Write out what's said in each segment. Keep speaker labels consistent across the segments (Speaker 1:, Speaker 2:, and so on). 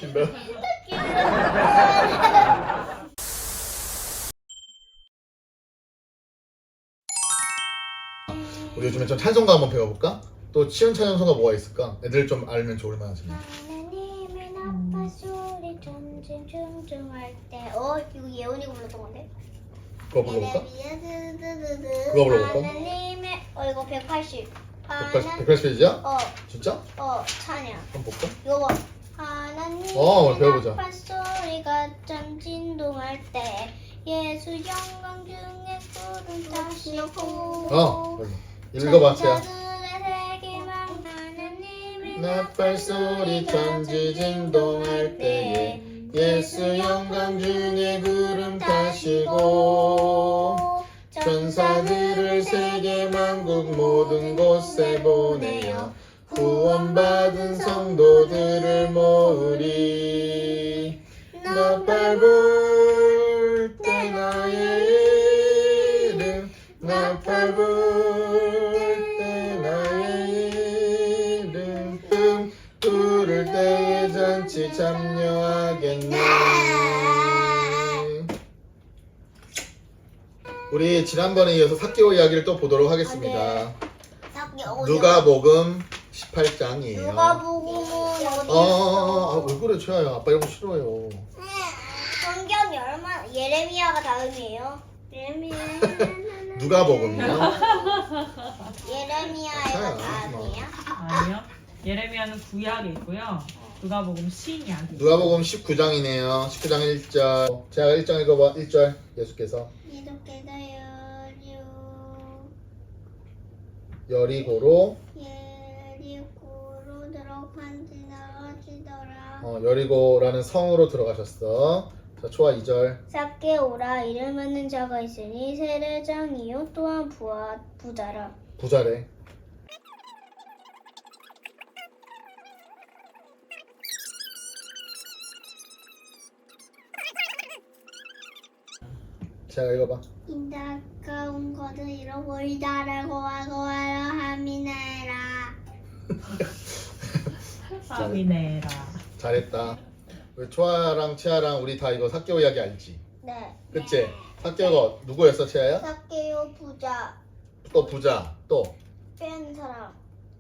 Speaker 1: 웃긴다. 우리 요즘에 좀 찬송가 한번 배워볼까? 또 치은 찬송가 뭐가 있을까? 애들 좀 알면 좋을 만하지.
Speaker 2: 하나님의 나팔 소리 점점 중중할 때 이거 예원이가 불렀던 건데?
Speaker 1: 그거 불러볼까?
Speaker 2: 그거
Speaker 1: 그거 불러볼까?
Speaker 2: 하나님의 이거 180
Speaker 1: 180페이지야?
Speaker 2: 어
Speaker 1: 진짜?
Speaker 2: 찬양
Speaker 1: 한번 볼까?
Speaker 2: 이거 봐 하나님의
Speaker 1: 배워보자.
Speaker 2: 나팔 소리가 점 진동할 때 예수 영광 중에 구름 타시고
Speaker 1: 별로. 읽어봐, 채야.
Speaker 2: 천사들의 세계만 하나님의
Speaker 1: 나팔 소리 천지 진동할 때에 예수 영광 중에 구름 타시고 천사들을 세계 만국 모든 곳에 보내어 구원받은 성도들을 모으리. 나팔 불 때 나의 이름 나팔 불 때 나의 이름 부를 때에 잔치 참여하겠네. 우리 지난번에 이어서 사개오 이야기를 또 보도록 하겠습니다. 누가복음 18장이에요.
Speaker 2: 누가복음은 어디
Speaker 1: 왜 그래 최아야. 아빠 이런 거 싫어요.
Speaker 2: 성경이 얼마나 예레미야가 다음이에요? 예레미야
Speaker 1: 누가복음이요?
Speaker 2: 예레미야가 다음이에요?
Speaker 3: 아니요. 예레미야는 구약에 있고요. 누가복음 신약이.
Speaker 1: 누가복음 19장이네요. 19장 1절. 제가 1장 읽어봐. 1절 예수께서
Speaker 2: 이렇게도
Speaker 1: 여리고로
Speaker 2: 예리고로 들어간지 나가지더라.
Speaker 1: 여리고라는 성으로 들어가셨어. 자, 초아 2절.
Speaker 2: 삭개오라 이름 있는 자가 있으니 세례장이요 또한 부자라.
Speaker 1: 부자래. 제가 읽어봐.
Speaker 2: 인다가운 것을 잃어버리다라고 하고 하라 하미네라.
Speaker 3: 아미네라.
Speaker 1: 잘했다. 우리 초아랑 치아랑 우리 다 이거 사개오 이야기 알지?
Speaker 2: 네.
Speaker 1: 그치? 사개오가 누구였어 치아야?
Speaker 2: 삭개오 부자
Speaker 1: 또 부자. 또
Speaker 2: 뺀 사람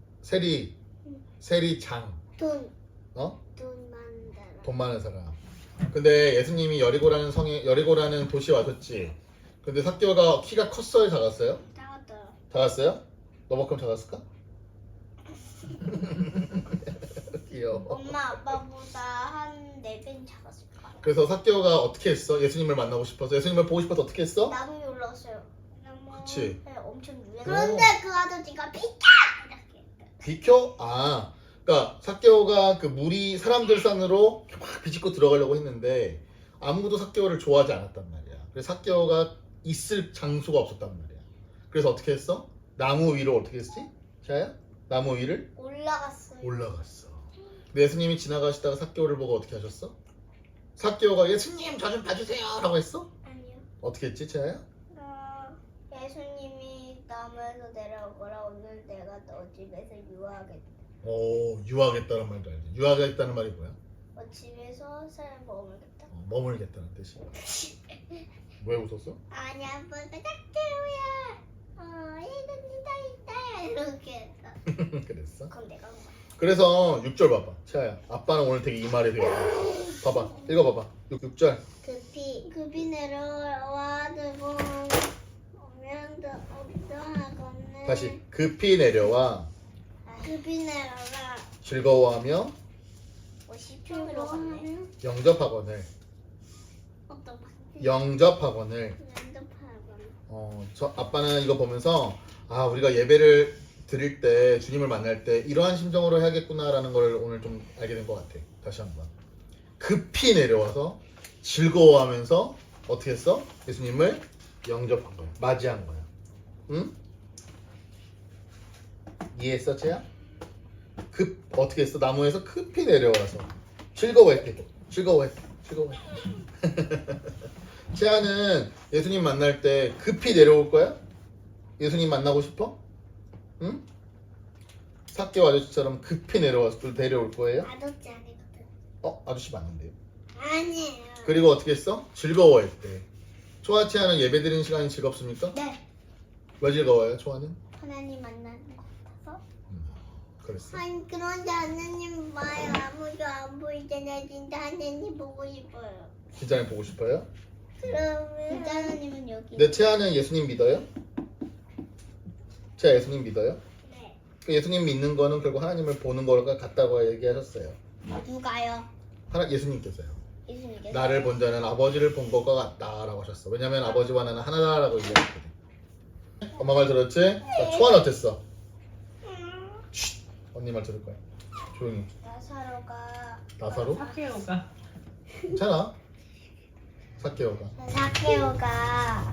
Speaker 1: 세리장.
Speaker 2: 돈
Speaker 1: 어?
Speaker 2: 많은 사람.
Speaker 1: 돈 많은 사람. 근데 예수님이 여리고라는 도시에 와셨지. 근데 사개오가 키가 컸어요, 작았어요?
Speaker 2: 나왔더라.
Speaker 1: 작았어요? 너만큼 작았을까? 귀여워.
Speaker 2: 엄마 아빠보다 한 4배 작았을까?
Speaker 1: 그래서 사개오가 어떻게 했어? 예수님을 만나고 싶어서, 예수님을 보고 싶어서 어떻게 했어?
Speaker 2: 나무 위에 올라왔어요.
Speaker 1: 그치.
Speaker 2: 네, 엄청 유행.
Speaker 1: 그런데
Speaker 2: 그 아저씨가 비켜! 이렇게.
Speaker 1: 비켜? 그러니까 사개오가 그 무리 사람들 산으로 막 비집고 들어가려고 했는데 아무도 사개오를 좋아하지 않았단 말이야. 그래서 사개오가 있을 장소가 없었단 말이야. 그래서 어떻게 했어? 나무 위로 어떻게 했지? 자야? 나무 위를
Speaker 2: 올라갔어요.
Speaker 1: 올라갔어. 근데 예수님이 지나가시다가 사개오를 보고 어떻게 하셨어? 사개오가 예수님 저 좀 봐주세요 라고 했어?
Speaker 2: 아니요.
Speaker 1: 어떻게 했지 자야?
Speaker 2: 예수님이 나무에서 내려오거라 오늘 내가 너 집에서 유하겠다.
Speaker 1: 유하겠다는 말도 알지. 유하겠다는 말이 뭐야?
Speaker 2: 집에서 살 머물겠다.
Speaker 1: 머물겠다는 뜻이야. 왜 웃었어?
Speaker 2: 아니야, 뭐가 짝대우야. 얘는 누가 있다 이렇게 했다.
Speaker 1: 그랬어?
Speaker 2: 그럼 내가 한 거야.
Speaker 1: 그래서 6절 봐봐. 치아야. 아빠는 오늘 되게 이 말이 되게 좋아. 봐봐. 읽어봐봐. 6절.
Speaker 2: 급히 내려와 들고 오면 없어하거늘.
Speaker 1: 다시. 급히 내려와
Speaker 2: 급히 내려라.
Speaker 1: 즐거워하며
Speaker 2: 10초로 가네.
Speaker 1: 영접하거늘.
Speaker 2: 어떤 말?
Speaker 1: 영접하거늘.
Speaker 2: 연습하거늘.
Speaker 1: 저 아빠는 이거 보면서 우리가 예배를 드릴 때 주님을 만날 때 이러한 심정으로 해야겠구나라는 걸 오늘 좀 알게 된 것 같아. 다시 한번. 급히 내려와서 즐거워하면서 어떻게 했어? 예수님을 영접한 거야. 맞이한 거야. 응? 이해했어, 채야? 어떻게 했어? 나무에서 급히 내려와서 즐거워했대. 즐거워했대. 채아는 예수님 만날 때 급히 내려올 거야? 예수님 만나고 싶어? 응? 삭개오 아저씨처럼 급히 내려올 거예요?
Speaker 2: 아저씨 아니거든.
Speaker 1: 아저씨 맞는데요.
Speaker 2: 아니에요.
Speaker 1: 그리고 어떻게 했어? 즐거워했대. 초아 채아는 예배 드리는 시간이 즐겁습니까?
Speaker 2: 네.
Speaker 1: 왜 즐거워요, 초아는?
Speaker 2: 하나님 만나는 것 같아서.
Speaker 1: 그랬어.
Speaker 2: 아니 그런데 하나님 봐요. 아무도 안 보이잖아요. 진짜 하나님 보고 싶어요.
Speaker 1: 진짜 보고 싶어요?
Speaker 2: 그러면 진짜 하나님은 여기.
Speaker 1: 네, 채아는 예수님 믿어요? 채아 예수님 믿어요?
Speaker 2: 네.
Speaker 1: 그 예수님 믿는 거는 결국 하나님을 보는 거가 같다고 얘기하셨어요.
Speaker 2: 누가요?
Speaker 1: 예수님께서요.
Speaker 2: 예수님께서.
Speaker 1: 나를 본 자는 아버지를 본 것과 같다라고 하셨어. 왜냐면 아버지와 나는 하나다라고 얘기했거든. 엄마 말 들었지? 자, 초아는 어땠어? 쉿! 언니 말 들을 거야. 조용히.
Speaker 2: 나사로가.
Speaker 1: 나사로?
Speaker 3: 사케오가
Speaker 1: 괜찮아. 사케오가.
Speaker 2: 사케오가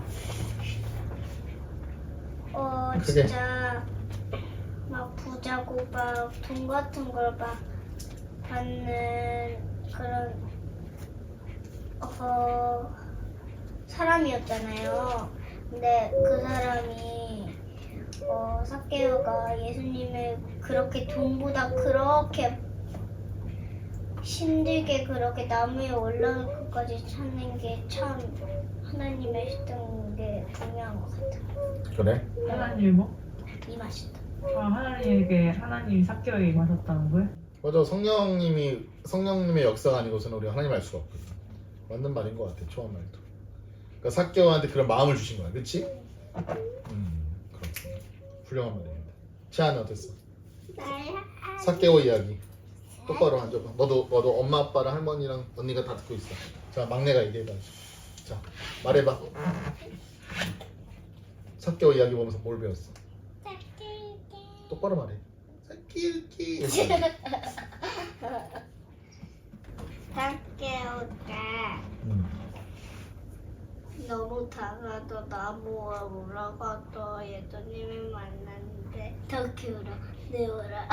Speaker 1: 그게-
Speaker 2: 진짜 막 부자고 막 돈 같은 걸 막 받는 그런 사람이었잖아요. 근데 그 사람이 사케오가 예수님을 그렇게 돈보다 그렇게 힘들게 그렇게 나무 위에 올라올 것까지 찾는 게 참 하나님의 했던 게 중요한 것 같아요.
Speaker 1: 그래?
Speaker 3: 하나님 뭐?
Speaker 2: 이 맛이다.
Speaker 3: 하나님에게 하나님이 사케오에게 임하셨다는 거예요?
Speaker 1: 맞아. 성령님의 역사가 아니고서는 우리가 하나님 알 수가 없거든. 맞는 말인 것 같아. 초아 말도. 그러니까 사케오한테 그런 마음을 주신 거야. 그렇지? 그렇구나. 훌륭한 말입니다. 채아는 어땠어? 사케오 이야기. 똑바로 앉아봐. 너도 엄마 아빠랑 할머니랑 언니가 다 듣고 있어. 자, 막내가 얘기해봐. 자, 말해봐. 사케오 이야기 보면서 뭘 배웠어? 똑바로 말해. 사케오키.
Speaker 2: 사케오가 너무 작아서 나무에 올라가서 예수님을 만났는데 더 키우라 내오라.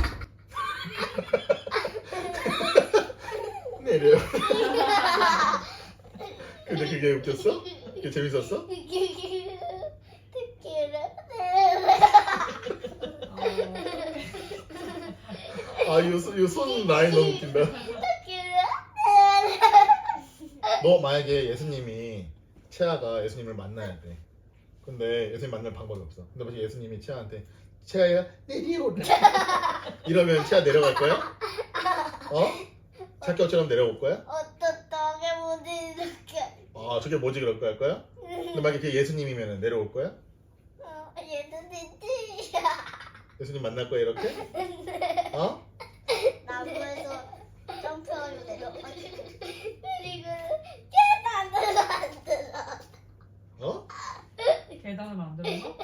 Speaker 1: 내려. 근데 그게 웃겼어? 그게 재밌었어? 이 손 라인 너무 웃긴다. 너 만약에 예수님이 채아가 예수님을 만나야 돼. 근데 예수님 만날 방법이 없어. 근데 만약 예수님이 채아한테 채아야 내려오라 이러면 채아 내려갈 거야? 사케오처럼 내려올 거야?
Speaker 2: 어떻게 못 이렇게
Speaker 1: 저게 뭐지 그럴 거야 할 거야? 근데 만약에 그게 예수님이면 내려올 거야?
Speaker 2: 예수님이
Speaker 1: 예수님 만날 거야 이렇게?
Speaker 2: 나무에서 점프하려 내려가지고 그리고 계단을 만들어.
Speaker 3: 계단을 만들어서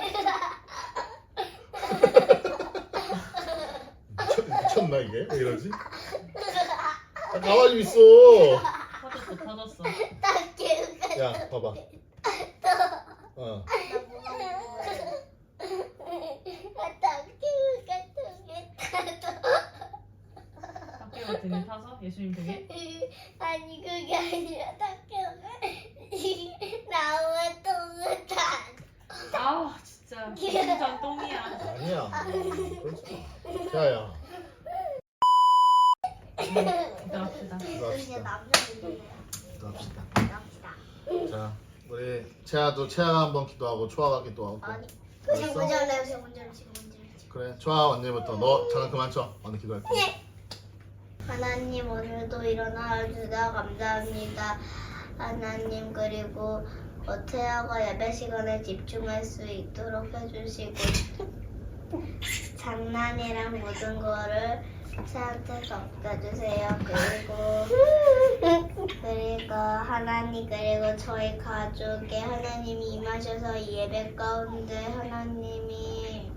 Speaker 1: 미쳤나 이게? 왜 이러지? 가만히 좀 있어.
Speaker 3: 터졌어.
Speaker 2: 딱히
Speaker 1: 야 봐봐.
Speaker 3: 사케오가 등에 타서 예수님 등에
Speaker 2: 아니 그게 아니라 딱히가 나무에 똥을 타.
Speaker 3: 진짜 심장 똥이야.
Speaker 1: 아니야. 그렇지. 야야.
Speaker 3: 기도합시다.
Speaker 2: 이제 남자분이에요.
Speaker 1: 합시다.
Speaker 2: 갑시다.
Speaker 1: 자, 우리 채아가 한번 기도하고 초아가 기도하고.
Speaker 2: 아니
Speaker 1: 알았어?
Speaker 2: 지금 먼저 할래요. 지금 먼저.
Speaker 1: 그래. 초아 언니부터. 너 잠깐 그만 쳐. 언니 기도할 거야.
Speaker 2: 하나님 오늘도 일어나 주셔서 감사합니다. 하나님 그리고 태아가 예배 시간에 집중할 수 있도록 해주시고 장난이랑 모든 거를 태한테 덮어주세요. 그리고 하나님 그리고 저희 가족에 하나님이 임하셔서 이 예배 가운데 하나님이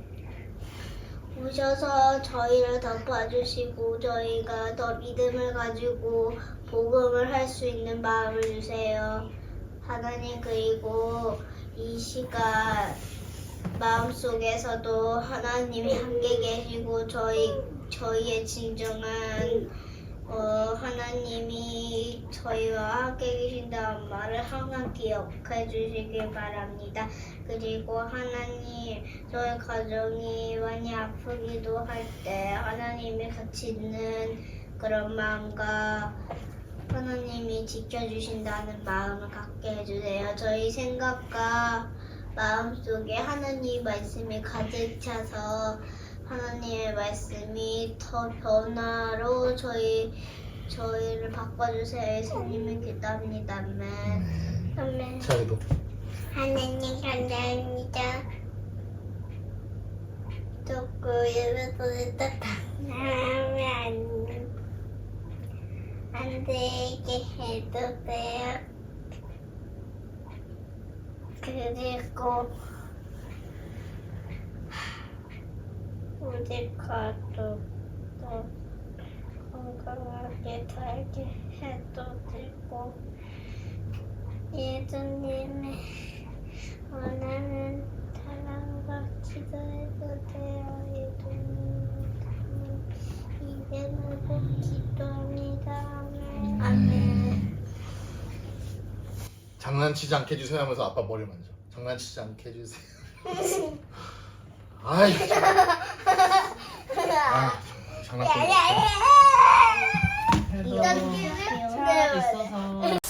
Speaker 2: 오셔서 저희를 덮어주시고 저희가 더 믿음을 가지고 복음을 할 수 있는 마음을 주세요. 하나님 그리고 이 시간 마음속에서도 하나님이 함께 계시고 저희의 진정한 하나님이 저희와 함께 계신다는 말을 항상 기억해 주시길 바랍니다. 그리고 하나님 저희 가정이 많이 아프기도 할 때 하나님이 같이 있는 그런 마음과 하나님이 지켜주신다는 마음을 갖게 해주세요. 저희 생각과 마음속에 하나님 말씀이 가득 차서 하나님의 말씀이 더 변화로 저희를 바꿔주세요. 예수님을 기도합니다. 아멘. 아멘.
Speaker 1: 자기도.
Speaker 2: 하나님 감사합니다. 듣고 예배소리 하면 안 되게 해주세요. 그리고 우리 가족도 건강하게 살게 해주시고 예수님의 원하는 사랑과 기도해주세요. 예수님 이름으로 기도합니다. 아멘.
Speaker 1: 장난치지 않게 해주세요 하면서 아빠 머리 만져. 장난치지 않게 해주세요. 아이. 아, 장난치지.
Speaker 3: 그래도
Speaker 2: 이렇게
Speaker 3: 차 있어서